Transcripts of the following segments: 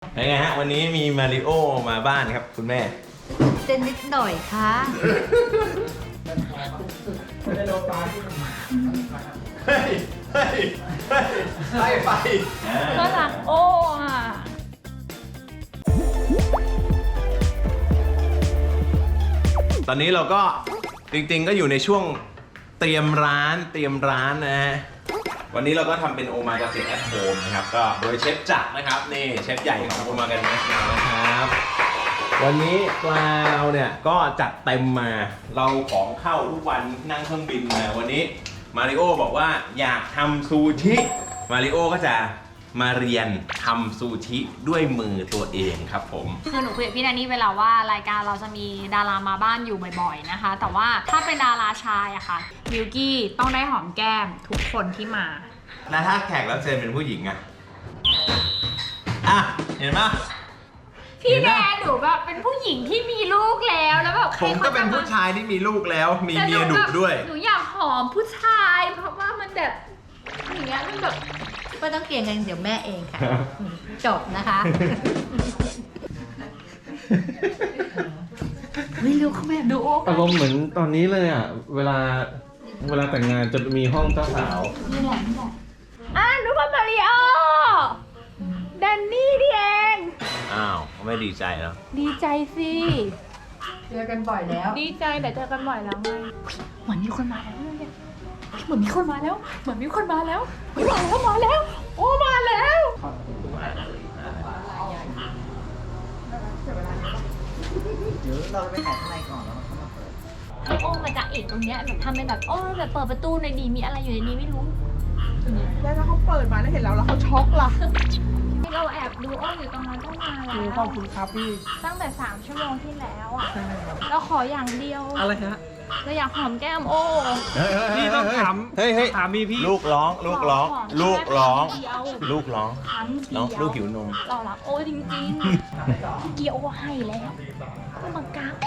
เป็นไงฮะวันนี้มีมาริโอมาบ้านครับคุณแม่เต้นนิดหน่อยค่ะเฮ้ยเฮ้ยเฮ้ยไปก็รักโอ้อะตอนนี้เราก็จริงๆก็อยู่ในช่วงเตรียมร้านนะฮะวันนี้เราก็ทำเป็นโอมากาเสะแอทโฮมนะครับก็โดยเชฟจักรนะครับนี่เชฟใหญ่ของโอมากาเสะนะครับวันนี้ปลาเราเนี่ยก็จัดเต็มมาเราของเข้าทุกวันนั่งเครื่องบินมาวันนี้มาริโอบอกว่าอยากทำซูชิมาริโอก็จะมาเรียนทำซูชิด้วยมือตัวเองครับผมคือหนูคุยกับพี่แดนนี่เวลาว่ารายการเราจะมีดารามาบ้านอยู่บ่อยๆนะคะแต่ว่าถ้าเป็นดาราชายอะค่ะมิวกี้ต้องได้หอมแก้มทุกคนที่มาแล้วถ้าแขกรับเชิญเป็นผู้หญิงอะเห็นปะพี่แดนหนูแบบเป็นผู้หญิงที่มีลูกแล้วแบบผมก็เป็นผู้ชายที่มีลูกแล้วมีเมียดุด้วยหนูอยากหอมผู้ชายเพราะว่ามันแบบอย่างเงี้ยมันแบบไม่ต้องเกี่ยงกันเดี๋ยวแม่เองค่ะจบนะคะไม่รู้เขาแบบดูโอ๊กอารมณ์เหมือนตอนนี้เลยอ่ะเวลาแต่งงานจะมีห้องเจ้าสาวนี่แหละนุกมาริโอแดนนี่ดิเองอ้าวไม่ดีใจแล้วดีใจสิเจอกันบ่อยแล้วดีใจแต่เจอกันบ่อยแล้วไงเหมือนมีคนมาแล้วเนี่ยเหมือนมีคนมาแล้วมาแล้วโอ้มาแล้วเดี๋ยวเราไปถ่ายข้างในก่อนแล้วเข้ามาเปิดให้โอ้มาจากเอกตรงเนี้ยแบบทำเป็นแบบโอ้แบบเปิดประตูหน่อยดีมีอะไรอยู่ในนี้ไม่รู้แล้วถ้าเขาเปิดมาแล้วเห็นเราแล้วเขาช็อกล่ะเราแอบดูโอ้อยู่ตรงนั้นตั้งนานแล้วขอบคุณครับพี่ตั้งแต่3 ชั่วโมงที่แล้วอ่ะเราขออย่างเดียวอะไรฮะเราอยากหอมแก้มโอ้พี่ต้องถามมีพี่ลูกร้องน้องลูกหิวนมเรารักโอ้จริงๆเกียวโอ้ให้แล้วก็บังคับ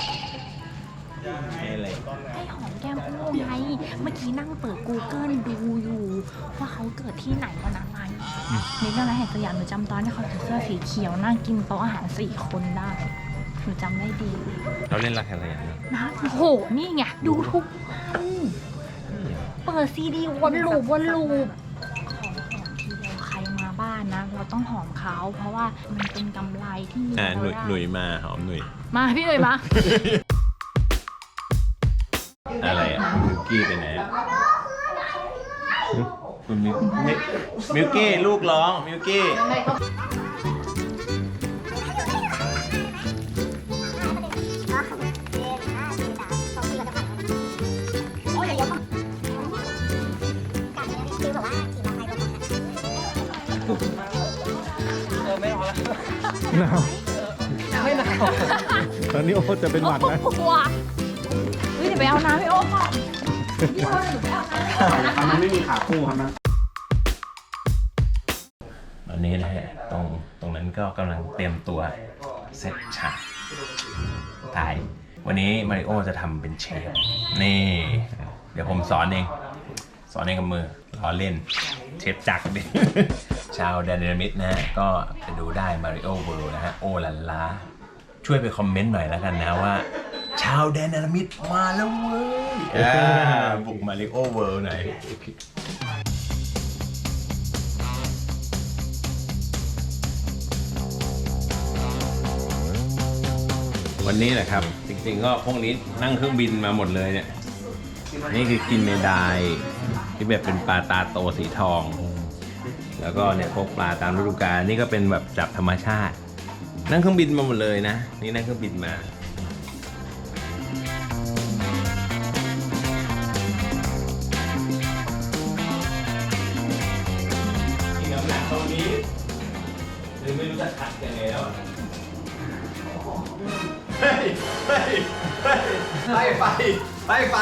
ให้หอมแก้มโอ้ไงเมื่อกี้นั่งเปิด Google ดูอยู่ว่าเขาเกิดที่ไหนวันอะไรในเรื่องอะไรแห่งสยามหนูจำตอนที่เขาใส่เสื้อสีเขียวนั่งกินโต๊ะอาหาร4 คนได้หนูจำได้ดีเราเล่นรักอะไรอย่างนี้นะโหนี่ไงดูทุกเปิดซีดีวนลูปของทีเดียวใครมาบ้านนะเราต้องหอมเขาเพราะว่ามันเป็นกำไรที่มีหนุ่ยมาหอมหนุ่ยมาพี่หนุ่ยมาอะไรมิวกี้ไปไหนคุณมิวกี้ลูกร้องมิวกี้ไม่เอาละหนาวไม่หนาวตอนนี้โอ้จะเป็นหวัดนะเฮ้ยเดี๋ยวไปเอาน้ำให้โอ้ก่อนมันไม่มีขาคู่ครับนะตอนนี้นะฮะตรงนั้นก็กำลังเตรียมตัวเซตฉากถ่ายวันนี้มาริโอจะทำเป็นเชฟนี่เดี๋ยวผมสอนเองกับมือล้อเล่นเชฟจักรดิชาวแดนนามิดนะฮะก็ไปดูได้มาริโอเวิลด์นะฮะโอลันลาช่วยไปคอมเมนต์หน่อยแล้วกันนะว่าชาวแดนนามิดมาแล้วเว้ยบุกมาริโอเวิลด์หน่อยวันนี้แหละครับจริงๆก็พวกนี้นั่งเครื่องบินมาหมดเลยเนี่ยนี่คือกินเมดายที่แบบเป็นปลาตาโตสีทองแล้วก็เนี่ยพวกปลาตามฤดูกาลนี่ก็เป็นแบบจับธรรมชาตินั่งเครื่องบินมาหมดเลยนะนี่นั่งเครื่องบินมาอีกน้ำหนักตรงนี้หรือไม่รู้จะขัดยังไงแล้วไฟ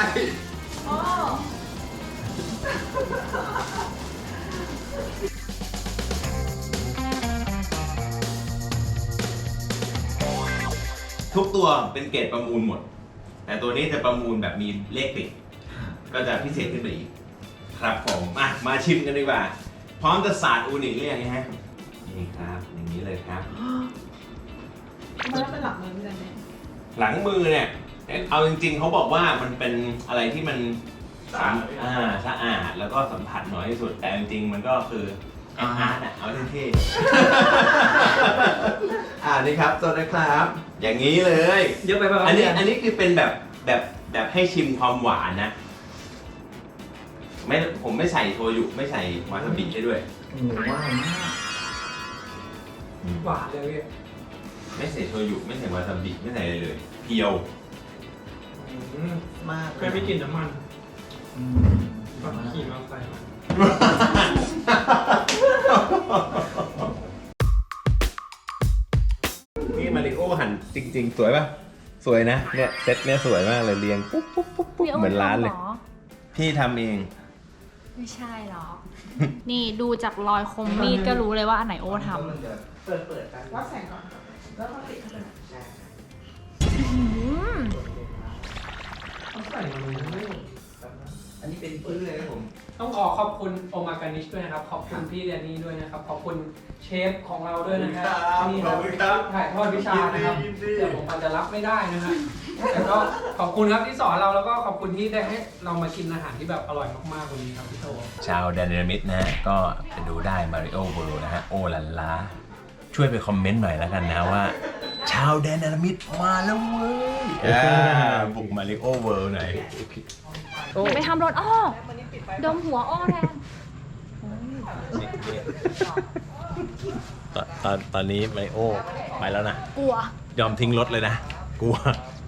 ทุกตัวเป็นเกรดประมูลหมดแต่ตัวนี้จะประมูลแบบมีเลขติดก็จะพิเศษขึ้นไปอีกครับผมมาชิมกันดีกว่าพร้อมจะสาดอูนิหรือยังฮะนี่ครับนี่นี้เลยครับมันเป็นหลักมือพี่จันเนี่ยหลังมือเนี่ยเอาจริงๆเขาบอกว่ามันเป็นอะไรที่มันสะอาดแล้วก็สัมผัสน้อยที่สุดแต่จริงๆมันก็คืออาร์ตเอาเท่ๆนี่ครับตัวนะครับ อย่างนี้เลยเยอะไปป่ะอันนี้คือเป็นแบบให้ชิมความหวานนะผมไม่ใส่โชยุไม่ใส่วาซาบิให้ด้วยหมูหวานมากหวานเลยพี่ไม่ใส่โชยุไม่ใส่วาซาบิไม่ใส่อะไรเลยเพียวมากไม่มีกลิ่นน้ำมันอืมแบบขี่มอเตอร์ไซค์มานี่มาริโอหันจริงๆ สวยป่ะ สวยนะเนี่ยเซตเนี่ยสวยมากเลยเรียงปุ๊บปุ๊บปุ๊บปุ๊บเหมือนร้านเลย พี่ทำเองไม่ใช่หรอ นี่ดูจากรอยคมมีดก็รู้เลยว่าอันไหนโอทำเปิดกันวัดแสงก่อนแล้วก็ติดเข้าไป ต้องใส่มันไม่อันนี้เป็นพื้นเลยครับผมต้องขอขอบคุณโอมากานิชด้วยนะครับ ขอบคุณพี่แดนนี่ด้วยนะครับ ขอบคุณเชฟของเราด้วยนะครับนี่ครับถ่ายทอดวิชานะครับเดี๋ยวผมอาจจะรับไม่ได้นะฮะแต่ก็ขอบคุณครับที่สอนเราแล้วก็ขอบคุณที่ได้ให้เรามากินอาหารที่แบบอร่อยมากๆวันนี้ครับพี่โตชาวแดนเนมิดนะฮะก็ไปดูได้มาริโอเวิลด์นะฮะโอลันลาช่วยไปคอมเมนต์หน่อยแล้วกันนะว่า ชาวแดนเนมิดมาแล้วเว้ยบุกมาริโอเวิลด์หน่อยอย่าไปทำรถอ้อดมหัวอ้อแทนตอนนี้มาริโอไปแล้วนะกลัวยอมทิ้งรถเลยนะ กลัว